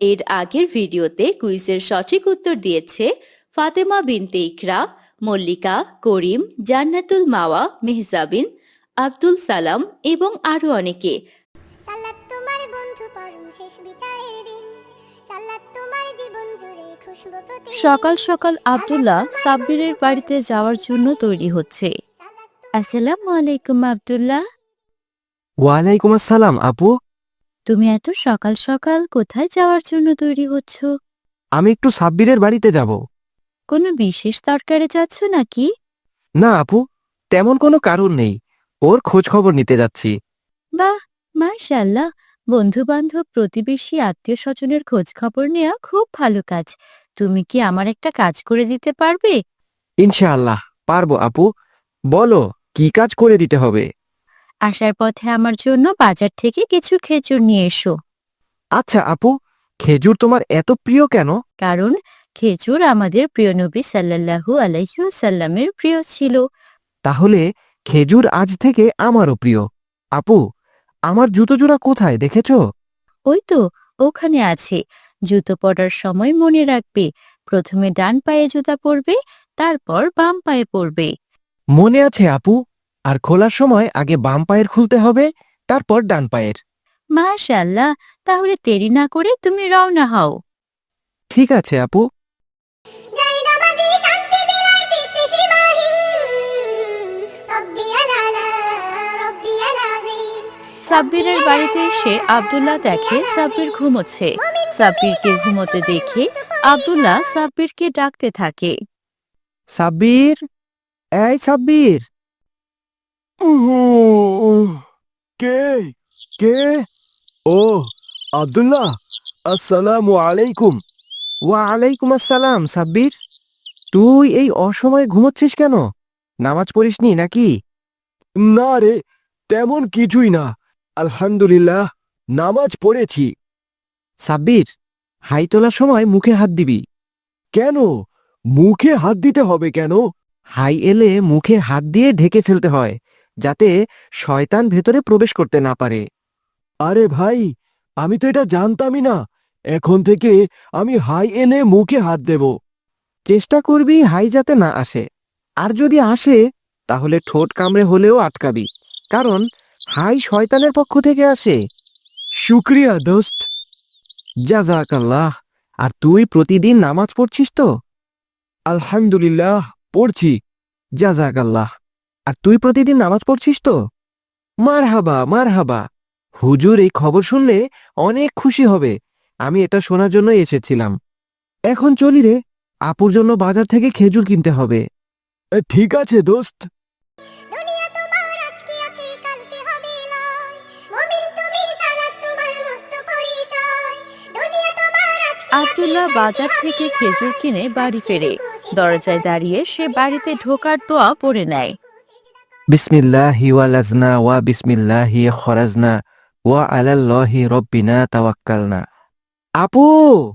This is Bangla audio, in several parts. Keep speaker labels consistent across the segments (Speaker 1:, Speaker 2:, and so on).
Speaker 1: এর আগের ভিডিওতে কুইজের সঠিক উত্তর দিয়েছে ফাতেমা বিনতে ইকরা, মল্লিকা, করিম, জান্নাতুল মাওয়া, মেহজাবিন, আব্দুল সালাম এবং আরো অনেকে।
Speaker 2: সালাত তোমার বন্ধু পরম শেষ বিচারের দিন, সালাত তোমার জীবন জুড়ে খুশবু প্রতিদিন।
Speaker 1: সকাল সকাল আব্দুল্লাহ সাব্বিরের বাড়িতে যাওয়ার জন্য তৈরি হচ্ছে। আসসালামু আলাইকুম আব্দুল্লাহ।
Speaker 3: ওয়ালাইকুম আসসালাম আপু।
Speaker 1: তুমি এত সকাল সকাল কোথায় যাওয়ার জন্য তৈরি হচ্ছ?
Speaker 3: আমি একটু সাব্বিরের বাড়িতে যাব।
Speaker 1: কোনো বিশেষ দরকারে যাচ্ছ নাকি?
Speaker 3: না আপু, তেমন কোনো কারণ নেই, ওর খোঁজ খবর নিতে যাচ্ছি।
Speaker 1: বাহ, মাশাআল্লাহ। বন্ধু বান্ধব, প্রতিবেশী, আত্মীয় স্বজনের খোঁজ খবর নেওয়া খুব ভালো কাজ। তুমি কি আমার একটা কাজ করে দিতে পারবে?
Speaker 3: ইনশাআল্লাহ পারবো আপু, বলো কি কাজ করে দিতে হবে।
Speaker 1: আসার পথে আমার জন্য বাজার থেকে কিছু খেজুর নিয়ে এসো।
Speaker 3: আচ্ছা আপু, খেজুর তোমার এত প্রিয় কেন?
Speaker 1: কারণ খেজুর আমাদের প্রিয় নবী সাল্লাল্লাহু আলাইহি ওয়াসাল্লামের প্রিয় ছিল।
Speaker 3: তাহলে খেজুর আজ থেকে আমারও প্রিয়। আপু, আমার জুতো জোড়া কোথায় দেখেছো?
Speaker 1: ওই তো, ওখানে আছে। জুতো পরার সময় মনে রাখবে, প্রথমে ডান পায়ে জুতা পরবে, তারপর বাম পায়ে পরবে।
Speaker 3: মনে আছে আপু। আর খোলার সময় আগে বাম পায়ের খুলতে হবে, তারপর ডান পায়ের।
Speaker 1: মাশাআল্লাহ, তাহলে দেরি না করে তুমি রওনা হও।
Speaker 3: ঠিক আছে আপু।
Speaker 2: যাই নামাজি শান্তি বিলায় চিত্তে সীমাহীন, রব্বিয়াল আলা রব্বিয়াল আযীম।
Speaker 1: সাব্বিরের বাড়িতে এসে আব্দুল্লাহ দেখে সাব্বির ঘুমোচ্ছে। সাব্বিরকে ঘুমোতে দেখে আব্দুল্লাহ সাব্বিরকে ডাকতে থাকে।
Speaker 3: সাব্বির, এই সাব্বির।
Speaker 4: কে কে ও আব্দুল্লাহ, আসসালামু আলাইকুম।
Speaker 3: ওয়ালাইকুম আসসালাম সাব্বির। তুই এই অসময়ে ঘুমোচ্ছিস কেন? নামাজ পড়িসনি নাকি?
Speaker 4: না রে, তেমন কিছুই না, আলহামদুলিল্লাহ নামাজ পড়েছি।
Speaker 3: সাব্বির, হাই তোলার সময় মুখে হাত দিবি।
Speaker 4: কেন মুখে হাত দিতে হবে কেন?
Speaker 3: হাই এলে মুখে হাত দিয়ে ঢেকে ফেলতে হয়, যাতে শয়তান ভেতরে প্রবেশ করতে না পারে।
Speaker 4: আরে ভাই, আমি তো এটা জানতামই না। এখন থেকে আমি হাই এনে মুখে হাত দেব।
Speaker 3: চেষ্টা করবি হাই যাতে না আসে, আর যদি আসে তাহলে ঠোঁট কামড়ে হলেও আটকাবি, কারণ হাই শয়তানের পক্ষ থেকে আসে।
Speaker 4: শুক্রিয়া দোস্ত।
Speaker 3: জাযাকাল্লাহ। আর তুই প্রতিদিন নামাজ পড়ছিস তো?
Speaker 4: আলহামদুলিল্লাহ পড়ছি।
Speaker 3: জাযাকাল্লাহ। আর তুই প্রতিদিন নামাজ পড়ছিস তো? মারহাবা মারহাবা। হুজুর এই খবর শুনলে অনেক খুশি হবে। আমি এটা শোনার জন্য এসেছিলাম। এখন চলি রে, আপুর জন্য বাজার থেকে খেজুর কিনতে হবে।
Speaker 4: ঠিক আছে দোস্ত।
Speaker 2: দুনিয়া তোমার আজকে আছে কালকে হবে লয়, মুমিন তুমি সালাত তোমার মস্ত পরিচয়। দুনিয়া তোমার আজকে আছে
Speaker 1: আব্দুল্লাহ বাজার থেকে খেজুর কিনে বাড়ি ফেরে। দরজায় দাঁড়িয়ে সে বাড়িতে ঢোকার দোয়া পড়ে নেয়।
Speaker 3: বিসমিল্লাহি ওয়ালাজনা ওয়া বিসমিল্লাহি খরাজনা ওয়া আলাল্লাহি রব্বিনা তাওয়াক্কালনা। আপু,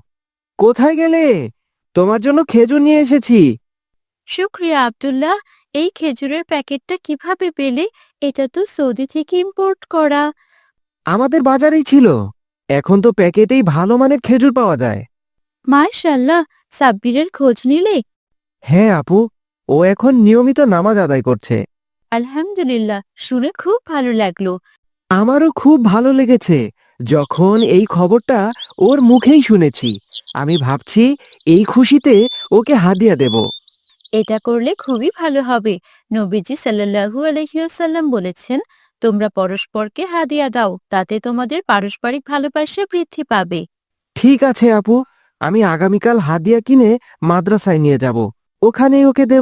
Speaker 3: কোথায় গেলে? তোমার জন্য খেজুর নিয়ে এসেছি।
Speaker 1: শুক্রিয়া আব্দুল্লাহ। এই খেজুরের প্যাকেটটা কিভাবে পেলে? এটা তো সৌদি থেকে ইম্পোর্ট করা।
Speaker 3: আমাদের বাজারেই ছিল। এখন তো প্যাকেটেই ভালো মানের খেজুর পাওয়া যায়।
Speaker 1: মাশাআল্লাহ, সাব্বিরের খোঁজ নিলে?
Speaker 3: হ্যাঁ আপু, ও এখন নিয়মিত নামাজ আদায় করছে।
Speaker 1: আলহামদুলিল্লাহ, শুনে খুব ভালো লাগলো।
Speaker 3: আমারও খুব ভালো লেগেছে যখন এই খবরটা ওর মুখেই শুনেছি। আমি ভাবছি এই খুশিতে ওকে হাদিয়া দেব।
Speaker 1: এটা করলে খুবই ভালো হবে। নবীজি সাল্লাল্লাহু আলাইহি ওয়াসাল্লাম বলেছেন, তোমরা পরস্পরকে হাদিয়া দাও, তাতে তোমাদের পারস্পরিক ভালোবাসা বৃদ্ধি পাবে।
Speaker 3: ঠিক আছে আপু, আমি আগামীকাল হাদিয়া কিনে মাদ্রাসায় নিয়ে যাব, ওখানেই ওকে দেব।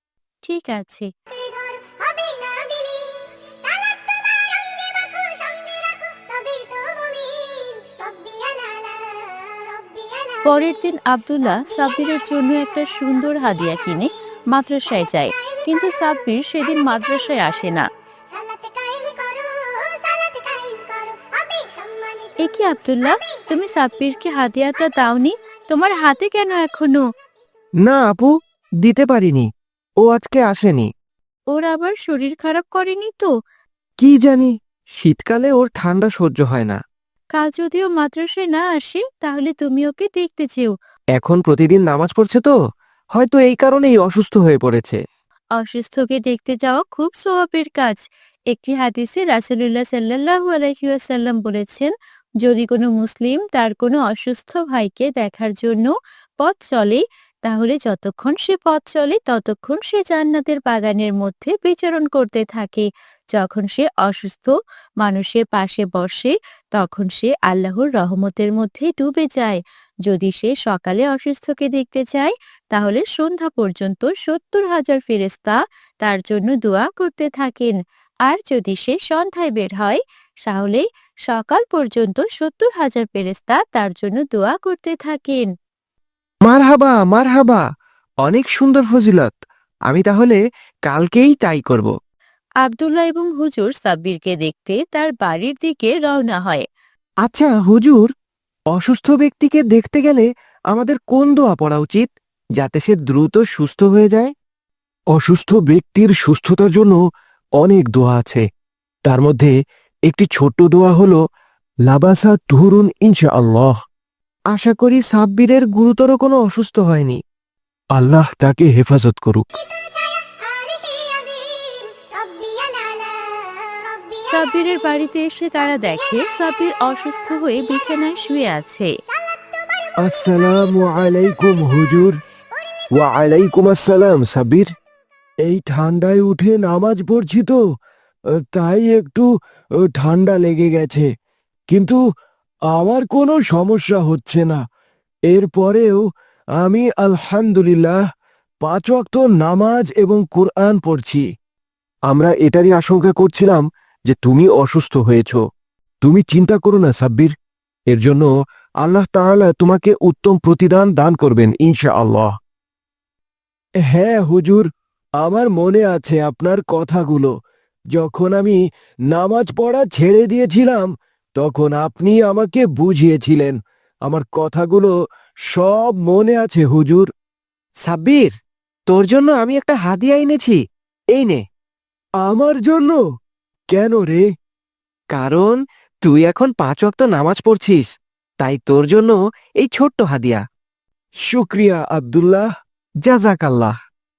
Speaker 1: ঠিক আছে।
Speaker 2: ঘর হবে না বিলি, সালাত তোমার অঙ্গে মাখো সঙ্গে রাখো, তবেই তো মুমিন। রব্বিয়াল আলা রব্বিয়াল আযীম।
Speaker 1: পরের দিন আব্দুল্লাহ সাব্বিরের জন্য একটা সুন্দর হাদিয়া কিনে মাদ্রাসায় যায়, কিন্তু সাব্বির সেদিন মাদ্রাসায় আসে না।
Speaker 2: সালাতে কায়েম করো, সালাতে কায়েম করো, হবে সম্মানিত।
Speaker 1: এ কি আব্দুল্লাহ, তুমি সাব্বিরকে হাদিয়াটা দাওনি? তোমার হাতে কেন এখনো?
Speaker 3: না আপু, দিতে পারিনি, ও আজকে আসেনি।
Speaker 1: ওর আবার শরীর খারাপ করেনি তো?
Speaker 3: কি জানি, শীতকালে ওর ঠান্ডা সহ্য হয় না।
Speaker 1: কাল যদিও মাদ্রাসায় না আসে তাহলে তুমি ওকে দেখতে চেও।
Speaker 3: এখন প্রতিদিন নামাজ পড়ছে তো, হয়তো এই কারণেই অসুস্থ হয়ে পড়েছে।
Speaker 1: অসুস্থকে দেখতে যাওয়া খুব সওয়াবের কাজ। একটি হাদিসে রাসূলুল্লাহ সাল্লাল্লাহু আলাইহি ওয়াসাল্লাম বলেছেন, যদি কোনো মুসলিম তার কোনো অসুস্থ ভাইকে দেখার জন্য পথ চলে, তাহলে যতক্ষণ সে পথ চলে ততক্ষণ সে জান্নাতের বাগানের মধ্যে বিচরণ করতে থাকে। যখন সে অসুস্থ মানুষের পাশে বসে তখন সে আল্লাহর রহমতের মধ্যে ডুবে যায়। যদি সে সকালে অসুস্থকে দেখতে চায় তাহলে সন্ধ্যা পর্যন্ত ৭০,০০০ ফেরেশতা তার জন্য দোয়া করতে থাকেন। আর যদি সে সন্ধ্যায় বের হয় তাহলে সকাল পর্যন্ত ৭০,০০০ ফেরেশতা তার জন্য দোয়া করতে থাকেন।
Speaker 3: মারহাবা মারহাবা, অনেক সুন্দর ফজিলত। আমি তাহলে কালকেই তাই করব।
Speaker 1: আব্দুল্লাহ এবং হুজুর সাব্বিরকে দেখতে তার বাড়ির দিকে রওনা হয়।
Speaker 3: আচ্ছা হুজুর, অসুস্থ ব্যক্তিকে দেখতে গেলে আমাদের কোন দোয়া পড়া উচিত, যাতে সে দ্রুত সুস্থ হয়ে যায়?
Speaker 4: অসুস্থ ব্যক্তির সুস্থতার জন্য অনেক দোয়া আছে। তার মধ্যে একটি ছোট্ট দোয়া হলো লাবাসা তুহুরুন ইনশাআল্লাহ।
Speaker 3: আশা করি সাব্বিরের গুরুতর কোনো অসুস্থ হয়নি।
Speaker 4: আল্লাহ তাকে হেফাজত করুক।
Speaker 2: শীতল ছায়া আরশে আজিম, রব্বিয়াল আলা, রব্বিয়াল
Speaker 1: সাব্বিরের বাড়িতে এসে তারা দেখে সাব্বির অসুস্থ হয়ে বিছানায় শুয়ে আছে।
Speaker 4: আসসালামু আলাইকুম হুজুর। ওয়া আলাইকুম আসসালাম সাব্বির। এই ঠান্ডায় উঠে নামাজ পড়ছি তো, তাই একটু ঠান্ডা লেগে গেছে, কিন্তু আমার কোনো সমস্যা হচ্ছে না। এরপরেও আমি আলহামদুলিল্লাহ 5 ওয়াক্ত নামাজ এবং কুরআন পড়ছি। আমরা এটারই আশঙ্কা করছিলাম যে তুমি অসুস্থ হয়েছ। তুমি চিন্তা করো না সাব্বির, এর জন্য আল্লাহ তাআলা তোমাকে উত্তম প্রতিদান দান করবেন ইনশাআল্লাহ। হ্যাঁ হুজুর, আমার মনে আছে আপনার কথাগুলো। যখন আমি নামাজ পড়া ছেড়ে দিয়েছিলাম তখন আপনি আমাকে বুঝিয়েছিলেন। আমার কথাগুলো সব মনে আছে হুজুর।
Speaker 3: সাব্বির, তোর জন্য আমি একটা হাদিয়া এনেছি, এই নে।
Speaker 4: আমার জন্য? কেন রে?
Speaker 3: কারণ তুই এখন 5 ওয়াক্ত নামাজ পড়ছিস, তাই তোর জন্য এই ছোট্ট হাদিয়া।
Speaker 4: শুক্রিয়া আব্দুল্লাহ।
Speaker 3: জাযাকাল্লাহ।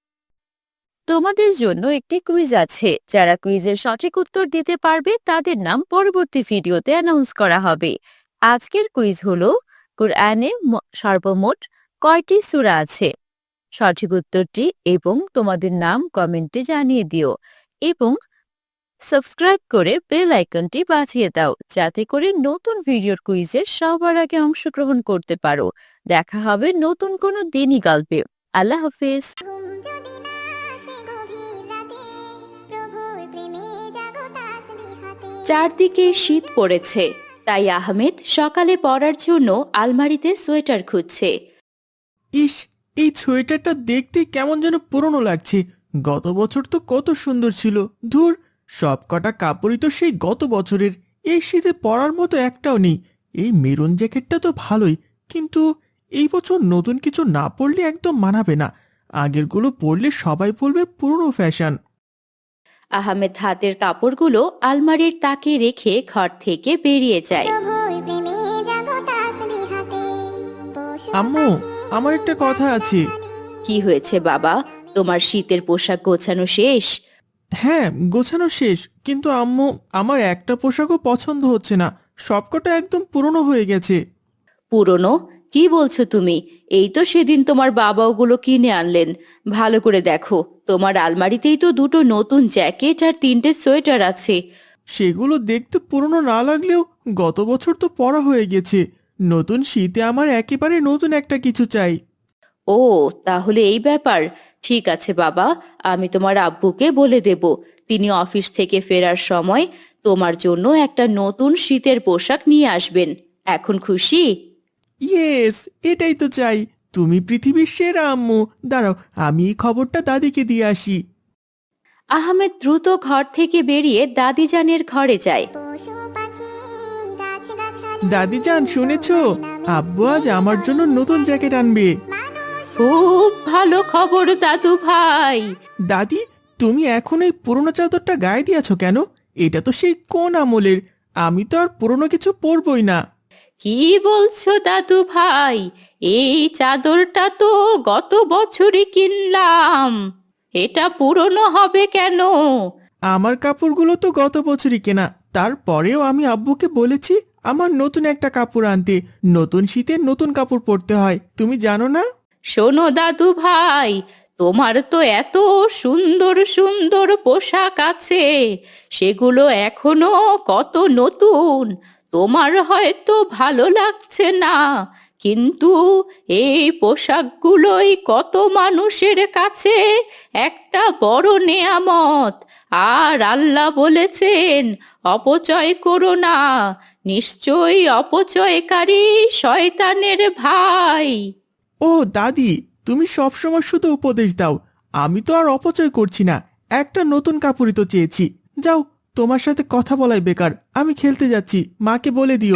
Speaker 1: তোমাদের জন্য একটি কুইজ আছে। যারা কুইজের সঠিক উত্তর দিতে পারবে তাদের নাম পরবর্তী ভিডিওতে অ্যানাউন্স করা হবে। আজকের কুইজ হলো, কুরআনে সর্বমোট কয়টি সূরা আছে? সঠিক উত্তরটি এবং তোমাদের নাম কমেন্টে জানিয়ে দিও এবং সাবস্ক্রাইব করে বেল আইকনটি বাজিয়ে দাও, যাতে করে নতুন ভিডিওর কুইজের সবার আগে অংশগ্রহণ করতে পারো। দেখা হবে নতুন কোনো দিনই গল্পে। আল্লাহ হাফেজ।
Speaker 2: ঘুম যদি না আসে গভীর রাতে, প্রভুর প্রেমে জাগো তাসবিহাতে।
Speaker 1: চারদিকে শীত পড়েছে, তাই আহমেদ সকালে পরার জন্য আলমারিতে সোয়েটার খুঁজছে।
Speaker 5: ইস, এই সোয়েটারটা দেখতে কেমন যেন পুরনো লাগছে। গত বছর তো কত সুন্দর ছিল। ধুর, সব কটা কাপড়ই তো সেই গত বছরের। এই শীতে পরার মতো একটাও নেই। এই মেরুন জ্যাকেটটা তো ভালোই, কিন্তু এই বছর নতুন কিছু না পরলে একদম মানাবে না। আগেরগুলো পরলে সবাই বলবে পুরনো ফ্যাশন।
Speaker 1: আহমেদ হাতের কাপড়গুলো আলমারির তাকে রেখে ঘর থেকে বেরিয়ে যায়।
Speaker 2: প্রভুর প্রেমে জাগো তাসবিহাতে। পশু
Speaker 5: আম্মু, আমার একটা কথা আছে।
Speaker 1: কি হয়েছে বাবা, তোমার শীতের পোশাক গোছানো শেষ?
Speaker 5: হ্যাঁ, গোছানো শেষ, কিন্তু আম্মু, আমার একটা পোশাকও পছন্দ হচ্ছে না। সবকটা একদম পুরনো হয়ে গেছে।
Speaker 1: পুরনো? কি বলছো তুমি? এই তো সেদিন তোমার বাবা ওগুলো কিনে আনলেন। ভালো করে দেখো, তোমার আলমারিতেই তো দুটো নতুন জ্যাকেট আর 3টে সোয়েটার আছে।
Speaker 5: সেগুলো দেখতে পুরনো না লাগলেও গত বছর তো পরা হয়ে গেছে। নতুন শীতে আমার একেবারে নতুন একটা কিছু চাই।
Speaker 1: ও, তাহলে এই ব্যাপার। ঠিক আছে বাবা, আমি তোমার আব্বুকে বলে দেব। তিনি অফিস থেকে ফেরার সময় তোমার জন্য একটা নতুন শীতের পোশাক নিয়ে আসবেন। এখন খুশি?
Speaker 5: ইয়েস, এটাই তো চাই। তুমি পৃথিবীর সেরা আম্মু। দাঁড়াও, আমি এই খবরটা দাদিকে দিয়ে আসি।
Speaker 1: আহমেদ দ্রুত ঘর থেকে বেরিয়ে দাদিজানের ঘরে যায়।
Speaker 2: পশু পাখি গাছগাছালি,
Speaker 5: দাদিজান, শুনেছো? আব্বু আজ আমার জন্য নতুন জ্যাকেট আনবে।
Speaker 2: মানুষ
Speaker 1: খুব ভালো খবর দাদু ভাই।
Speaker 5: দাদি, তুমি এখন এই পুরনো চাদরটা গায়ে দিয়েছো কেন? এটা তো সেই কোন আমলের। আমি তো আর পুরনো কিছু পরবই না।
Speaker 1: কি বলছো দাদু ভাই? এই চাদরটা তো গত বছরই কিনলাম, এটা পুরনো হবে কেন?
Speaker 5: আমার কাপড়গুলো তো গত বছরই কেনা, তারপরেও আমি আব্বুকে বলেছি আমার নতুন একটা কাপড় আনতে। নতুন শীতে নতুন কাপড় পরতে হয়, তুমি জানো না?
Speaker 1: শোনো দাদু ভাই, তোমার তো এত সুন্দর সুন্দর পোশাক আছে, সেগুলো এখনো কত নতুন, তোমার হয়তো ভালো লাগছে না, কিন্তু এই পোশাকগুলোই কত মানুষের কাছে একটা বড় নেয়ামত। আর আল্লাহ বলেছেন, অপচয় করো না, নিশ্চয়ই অপচয়কারী শয়তানের ভাই।
Speaker 5: ও দাদি, তুমি সবসময় শুধু উপদেশ দাও, আমি তো আর অপচয় করছি না, একটা নতুন কাপড়ই তো চেয়েছি। যাও, তোমার সাথে কথা বলাই বেকার, আমি খেলতে যাচ্ছি, মাকে বলে দিও।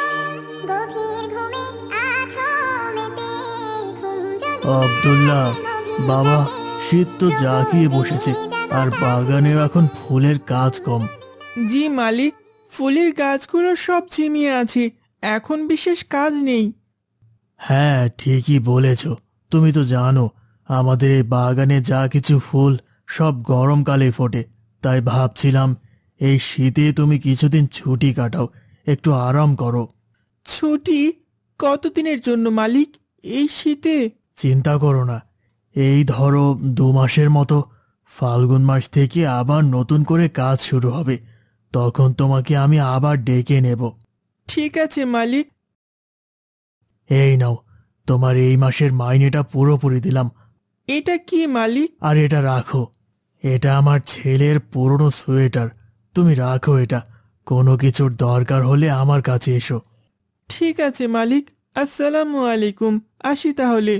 Speaker 2: গভীর ঘুমে আছো মেতে, ঘুম যদি
Speaker 5: আব্দুল্লাহ, বাবা, শীত তো জাগিয়ে বসেছে, আর বাগানেও এখন ফুলের কাজ কম। জি মালিক, ফুলের গাছগুলো সব ঝিমিয়ে আছে, এখন বিশেষ কাজ নেই। হ্যাঁ, ঠিকই বলেছ। তুমি তো জানো আমাদের এই বাগানে যা কিছু ফুল সব গরমকালে ফোটে, তাই ভাবছিলাম এই শীতে তুমি কিছুদিন ছুটি কাটাও, একটু আরাম করো। ছুটি? কতদিনের জন্য মালিক, এই শীতে? চিন্তা করো না, এই ধরো 2 মাসের মতো। ফাল্গুন মাস থেকে আবার নতুন করে কাজ শুরু হবে, তখন তোমাকে আমি আবার ডেকে নেব। ঠিক আছে মালিক। এই নাও, তোমার এই মাসের মাইনেটা পুরোপুরি দিলাম। এটা কি মালিক? আর এটা রাখো, এটা আমার ছেলের পুরনো সোয়েটার, তুমি রাখো এটা, কোনো কিছুর দরকার হলে আমার কাছে এসো। ঠিক আছে মালিক, আসসালামু আলাইকুম, আসি তাহলে।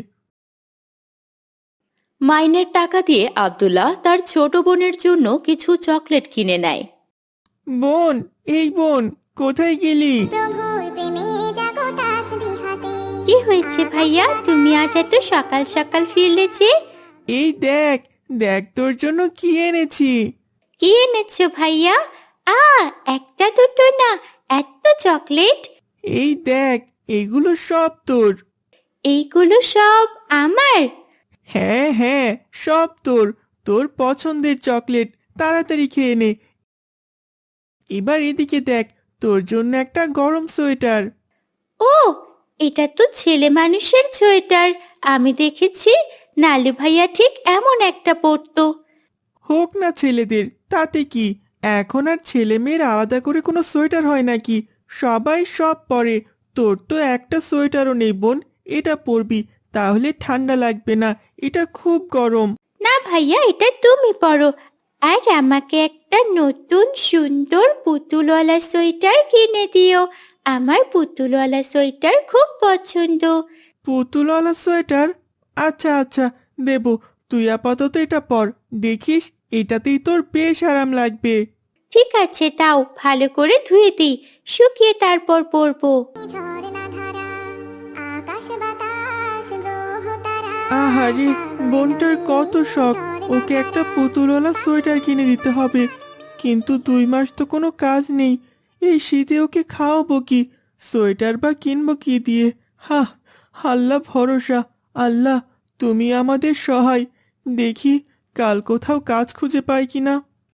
Speaker 1: মাইনের টাকা দিয়ে আব্দুল্লাহ তার ছোট বোনের জন্য কিছু চকলেট কিনে নেয়।
Speaker 5: বোন, এই বোন, কোথায় গেলি?
Speaker 2: প্রভুর প্রেমে জাগো তাসবিহাতে।
Speaker 1: কি হয়েছে ভাইয়া, তুমি আজ এত সকাল সকাল ফিরলে যে?
Speaker 5: এই দেখ, দেখ তোর জন্য কি এনেছি।
Speaker 1: কি এনেছো ভাইয়া? একটা দুটো না, এত চকলেট!
Speaker 5: এই দেখ, এগুলো সব তোর।
Speaker 1: এইগুলো সব আমার?
Speaker 5: হ্যাঁ হ্যাঁ, সব তোর, তোর পছন্দের চকলেট, তাড়াতাড়ি খেয়ে নে। এবার এদিকে দেখ, তোর জন্য একটা গরম সোয়েটার।
Speaker 1: ও, এটা তো ছেলে মানুষের সোয়েটার, আমি দেখেছি নালু ভাইয়া ঠিক এমন একটা পরতো।
Speaker 5: হোক না ছেলেদের, তাতে কি, এখন আর ছেলে মেয়ের আলাদা করে কোনো সোয়েটার হয় নাকি? সবাই সব পরে। তোর তো একটা সোয়েটারও নেই বোন, এটা পরবি, তাহলে ঠান্ডা লাগবে না, এটা খুব গরম।
Speaker 1: না ভাইয়া, এটা তুমি পরো, আর আমাকে একটা নতুন সুন্দর পুতুলওয়ালা সোয়েটার কিনে দিও, আমার পুতুলওয়ালা সোয়েটার খুব পছন্দ।
Speaker 5: পুতুলওয়ালা সোয়েটার? আচ্ছা আচ্ছা, দেব, তুই আপাতত এটা পর, দেখিস এটাতেই তোর বেশ আরাম লাগবে।
Speaker 1: ঠিক আছে, তাও ভালো করে ধুয়ে দিই, শুকিয়ে তারপর পরবো।
Speaker 2: ঝর্ণা ধারা, আকাশ বাতাস গ্রহ তারা।
Speaker 5: আহারে, বোনটার কত শখ, ওকে একটা পুতুলওয়ালা সোয়েটার কিনে দিতে হবে, কিন্তু 2 মাস তো কোনো কাজ নেই, এই শীতে ওকে খাওয়াবো কি, সোয়েটার বা কিনবো কি দিয়ে? হা, আল্লাহ ভরসা, আল্লাহ তুমি আমাদের সহায়, দেখি কাল কোথাও কাজ খুঁজে পাই কিনা।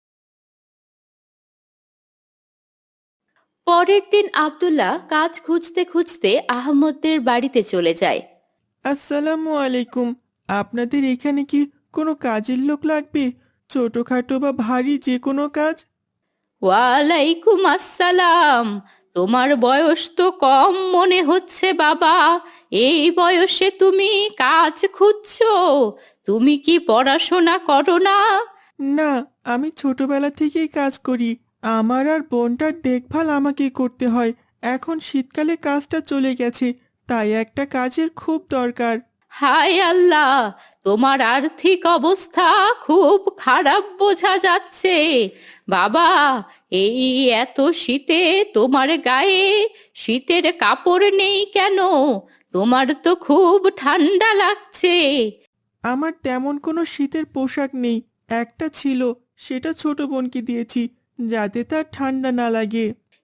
Speaker 1: পরের দিন আব্দুল্লাহ কাজ খুঁজতে খুঁজতে আহমদদের বাড়িতে চলে যায়।
Speaker 5: আসসালামু আলাইকুম, আপনাদের এখানে কি কোনো কাজের লোক লাগবে? ছোটখাটো বা ভারী যে কোনো কাজ?
Speaker 1: ওয়ালাইকুম আসসালাম, তোমার বয়স তো কম মনে হচ্ছে বাবা, এই বয়সে তুমি কাজ খুঁজছো? তুমি কি পড়াশোনা করো না?
Speaker 5: না, আমি ছোটবেলা থেকেই কাজ করি, আমার আর বোনটার দেখভাল আমাকেই করতে হয়, এখন শীতকালে কাজটা চলে গেছে, তাই একটা কাজের খুব দরকার।
Speaker 1: হায় আল্লাহ, তোমার আর্থিক অবস্থা খুব খারাপ বোঝা যাচ্ছে বাবা, এই এত শীতে তোমার গায়ে শীতের কাপড় নেই কেন? তোমার তো খুব ঠান্ডা লাগছে।
Speaker 5: আমার তেমন কোনো শীতের পোশাক নেই, একটা ছিল, সেটা ছোট বোনকে দিয়েছি, যাতে তার ঠান্ডা না লাগে।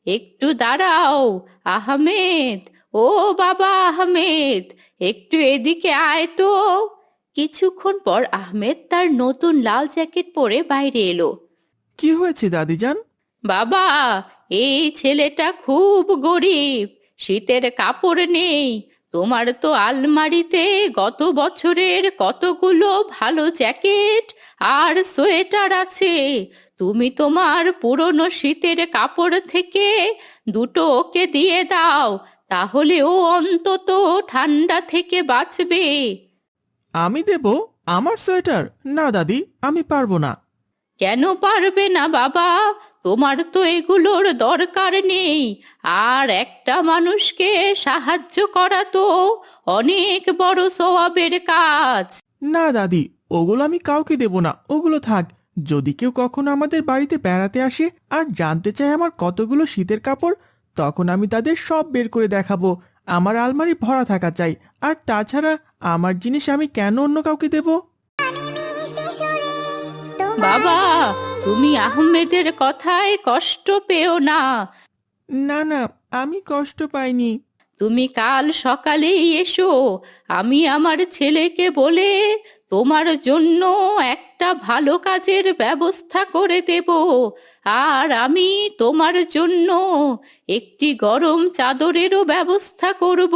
Speaker 1: একটু দাঁড়াও। আহমেদ, ও বাবা আহমেদ, একটু এদিকে আয় তো। কিছুক্ষণ পর আহমেদ তার নতুন লাল জ্যাকেট পরে বাইরে এলো।
Speaker 5: কি হয়েছে দাদিজান?
Speaker 1: বাবা, এই ছেলেটা খুব গরিব, শীতের কাপড় নেই। তোমার তো আলমারিতে গত বছরের কতগুলো ভালো জ্যাকেট আর সোয়েটার আছে। তুমি তোমার পুরনো শীতের কাপড় থেকে দুটো ওকে দিয়ে দাও, তাহলে ও অন্তত ঠান্ডা থেকে বাঁচবে।
Speaker 5: আমি দেব আমার সোয়েটার? না দাদি, আমি পারবো না।
Speaker 1: কেন পারবে না বাবা? তোমার তো এগুলোর দরকার নেই। আর একটা মানুষকে সাহায্য করা তো অনেক বড় সওয়াবের কাজ।
Speaker 5: না দাদি, ওগুলো আমি কাউকে দেব না, ওগুলো থাক। যদি কেউ কখনো আমাদের বাড়িতে বেড়াতে আসে আর জানতে চায় আমার কতগুলো শীতের কাপড়, তখন আমি তাদের সব বের করে দেখাবো। আমার আলমারি ভরা থাকা চাই। আর তাছাড়া আমার জিনিস আমি কেন অন্য কাউকে দেব?
Speaker 2: মিষ্টি সুরে তোমার
Speaker 1: বাবা, তুমি আহমেদের কথায় কষ্ট পেও না।
Speaker 5: না না, আমি কষ্ট পাইনি।
Speaker 1: তুমি কাল সকালেই এসো। আমি আমার ছেলেকে বলে তোমার জন্য একটা ভালো কাজের ব্যবস্থা করে দেব। আর আমি তোমার জন্য একটি গরম চাদরেরও ব্যবস্থা করব।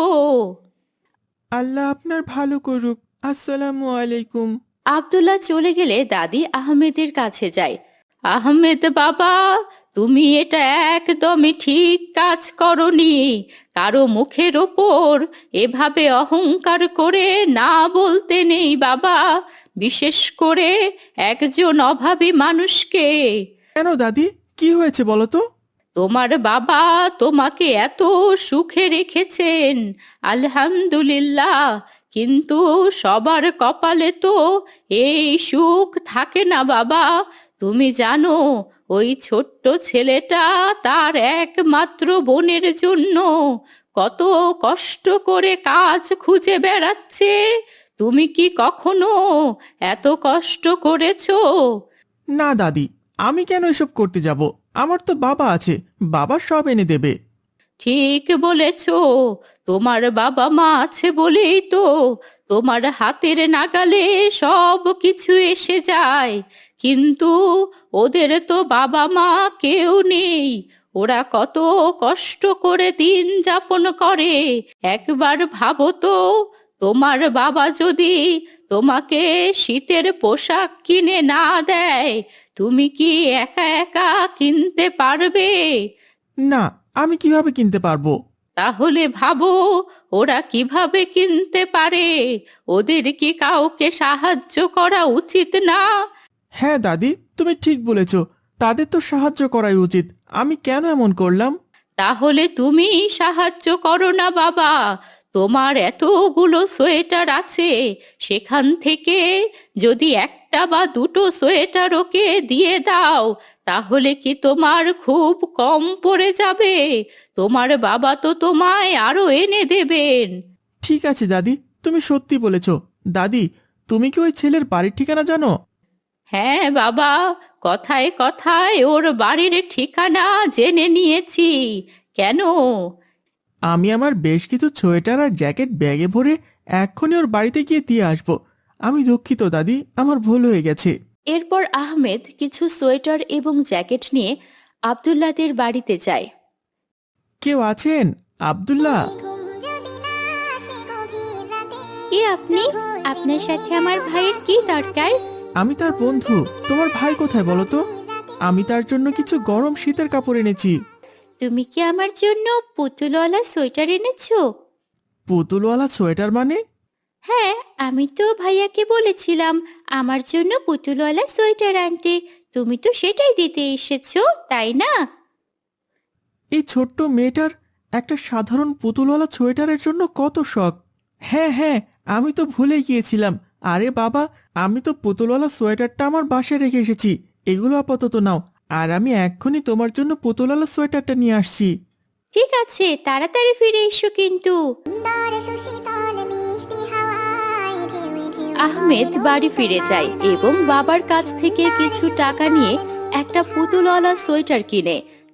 Speaker 5: আল্লাহ আপনার ভালো করুক। আসসালামু আলাইকুম।
Speaker 1: আব্দুল্লাহ চলে গেলে দাদি আহমেদের কাছে যায়। আহমেদ বাবা, তুমি এটা একদমই ঠিক কাজ করনি। কারো মুখের ওপর এভাবে অহংকার করে না বলতে নেই বাবা, বিশেষ করে একজন অভাবী মানুষকে।
Speaker 5: কেন দাদি, কি হয়েছে বলো তো?
Speaker 1: তোমার বাবা তোমাকে এত সুখে রেখেছেন, আলহামদুলিল্লাহ। কিন্তু সবার কপালে তো এই সুখ থাকে না বাবা। তুমি জানো, ওই ছোট্ট ছেলেটা তার একমাত্র বোনের জন্য কত কষ্ট করে কাজ খুঁজে বেড়াচ্ছে। তুমি কি কখনো এত কষ্ট করেছো?
Speaker 5: না দাদি, আমি কেন এসব করতে যাব? আমার তো বাবা আছে, বাবা সব এনে দেবে।
Speaker 1: ঠিক বলেছ। তোমার বাবা মা আছে বলেই তো তোমার হাতের নাগালে সব কিছু এসে যায়। কিন্তু ওদের তো বাবা মা কেউ নেই। ওরা কত কষ্ট করে দিন যাপন করে। একবার ভাবো তো, তোমার বাবা যদি তোমাকে শীতের পোশাক কিনে না দেয়, তুমি কি একা একা কিনতে পারবে?
Speaker 5: না, আমি কিভাবে কিনতে পারবো?
Speaker 1: তাহলে ভাবো, ওরা কিভাবে কিনতে পারে? ওদের কি কাউকে সাহায্য করা উচিত না?
Speaker 5: হ্যাঁ দাদি, তুমি ঠিক বলেছ। তাদের তো সাহায্য করাই উচিত। আমি কেন এমন করলাম?
Speaker 1: তাহলে তুমি সাহায্য করো না বাবা। তোমার এতগুলো সোয়েটার আছে, সেখান থেকে যদি একটা বা দুটো সোয়েটার ওকে দিয়ে দাও, তাহলে কি তোমার খুব কম পড়ে যাবে? তোমার বাবা তো তোমায় আরো এনে দেবেন।
Speaker 5: ঠিক আছে দাদি, তুমি সত্যি বলেছ। দাদি, তুমি কি ওই ছেলের বাড়ির ঠিকানা জানো?
Speaker 1: হ্যাঁ বাবা, কথায় কথায় ওর বাড়ির ঠিকানা জেনে নিয়েছি। কেন?
Speaker 5: আমি আমার বেশ কিছু সোয়েটার আর জ্যাকেট ব্যাগে ভরে এক্ষুনি ওর বাড়িতে গিয়ে দিয়ে আসবো। আমি দুঃখিত দাদি, আমার ভুল হয়ে গেছে।
Speaker 1: এরপর আহমেদ কিছু সোয়েটার এবং জ্যাকেট নিয়ে আব্দুল্লাদের বাড়িতে যায়।
Speaker 5: কেউ আছেন? আব্দুল্লাহ।
Speaker 2: ঘুম যদি না আসে গভীর রাতে
Speaker 1: কে আপনি? আপনার সাথে আমার ভাইয়ের কি দরকার?
Speaker 5: আমি তার বন্ধু। তোমার ভাই কোথায় বলো তো? আমি তার জন্য কিছু গরম শীতের কাপড় এনেছি।
Speaker 1: তুমি কি আমার জন্য পুতুলওয়ালা সোয়েটার এনেছো?
Speaker 5: পুতুলওয়ালা সোয়েটার মানে?
Speaker 1: হ্যাঁ, আমি তো ভাইয়াকে বলেছিলাম আমার জন্য পুতুলওয়ালা সোয়েটার আনতে। তুমি তো সেটাই দিতে এসেছো, তাই না?
Speaker 5: এই ছোট্ট মেয়েটার একটা সাধারণ পুতুলওয়ালা সোয়েটারের জন্য কত শখ! হ্যাঁ হ্যাঁ, আমি তো ভুলে গিয়েছিলাম। আরে বাবা, আমি তো পুতুলওয়ালা সোয়েটারটা আমার বাসায় রেখে এসেছি। এগুলো আপাতত নাও, আর আমি এক্ষুনি তোমার জন্য পুতুলওয়ালা সোয়েটারটা নিয়ে আসছি।
Speaker 1: ঠিক আছে, তাড়াতাড়ি ফিরে এসো কিন্তু।
Speaker 2: সুন্দর সুশীতল মিষ্টি হাওয়ায় ঢেউয়ে ঢেউয়ে
Speaker 1: আহমেদ বাড়ি ফিরে যায় এবং বাবার কাছ থেকে কিছু টাকা নিয়ে একটা পুতুলওয়ালা সোয়েটার কিনে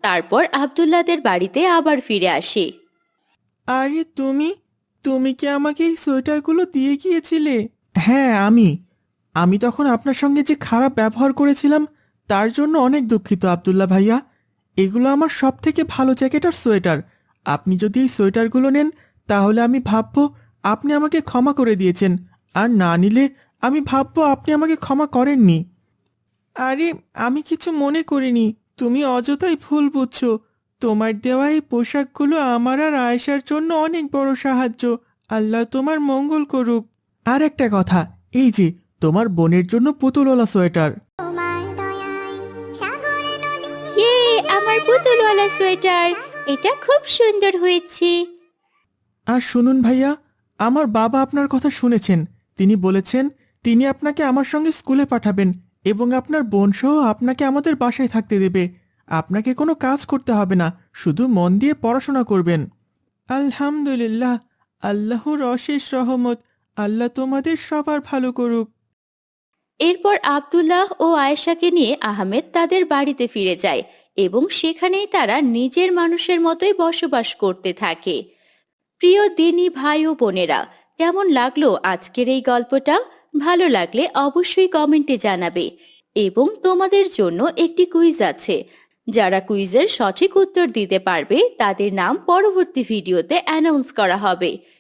Speaker 1: তারপর আব্দুল্লাহদের বাড়িতে আবার ফিরে আসে।
Speaker 5: আরে তুমি কি আমাকে এই সোয়েটারগুলো দিয়ে গিয়েছিলে? হ্যাঁ, আমি তখন আপনার সঙ্গে যে খারাপ ব্যবহার করেছিলাম তার জন্য অনেক দুঃখিত আব্দুল্লাহ ভাইয়া। এগুলো আমার সব থেকে ভালো জ্যাকেট আর সোয়েটার। আপনি যদি এই সোয়েটারগুলো নেন তাহলে আমি ভাববো আপনি আমাকে ক্ষমা করে দিয়েছেন, আর না নিলে আমি ভাববো আপনি আমাকে ক্ষমা করেননি। আরে আমি কিছু মনে করিনি, তুমি অযথাই ভুল বুঝছো। তোমার দেওয়া এই পোশাকগুলো আমার আর আয়েশার জন্য অনেক বড় সাহায্য। আল্লাহ তোমার মঙ্গল করুক। আর একটা কথা, এই যে তোমার বোনের জন্য পুতুলওয়ালা সোয়েটার।
Speaker 2: তোমার দয়ায় সাগর নদী
Speaker 1: ইয়ে, আমার পুতুলওয়ালা সোয়েটার, এটা খুব সুন্দর হয়েছে।
Speaker 5: আর শুনুন ভাইয়া, আমার বাবা আপনার কথা শুনেছেন। তিনি বলেছেন তিনি আপনাকে আমার সঙ্গে স্কুলে পাঠাবেন এবং আপনার বোন সহ আপনাকে আমাদের বাসায় থাকতে দেবে। আপনাকে কোনো কাজ করতে হবে না, শুধু মন দিয়ে পড়াশোনা করবেন। আলহামদুলিল্লাহ, আল্লাহর অশেষ রহমত। আল্লাহ তোমাদের সবার ভালো করুক।
Speaker 1: এরপর আব্দুল্লাহ ও আয়েশাকে নিয়ে আহমেদ তাদের বাড়িতে ফিরে যায় এবং সেখানেই তারা নিজের মানুষের মতোই বসবাস করতে থাকে। প্রিয় দিনী ভাই ও বোনেরা, কেমন লাগলো আজকের এই গল্পটা? ভালো লাগলে অবশ্যই কমেন্টে জানাবে। এবং তোমাদের জন্য একটি কুইজ আছে। যারা কুইজের সঠিক উত্তর দিতে পারবে তাদের নাম পরবর্তী ভিডিওতে অ্যানাউন্স করা হবে।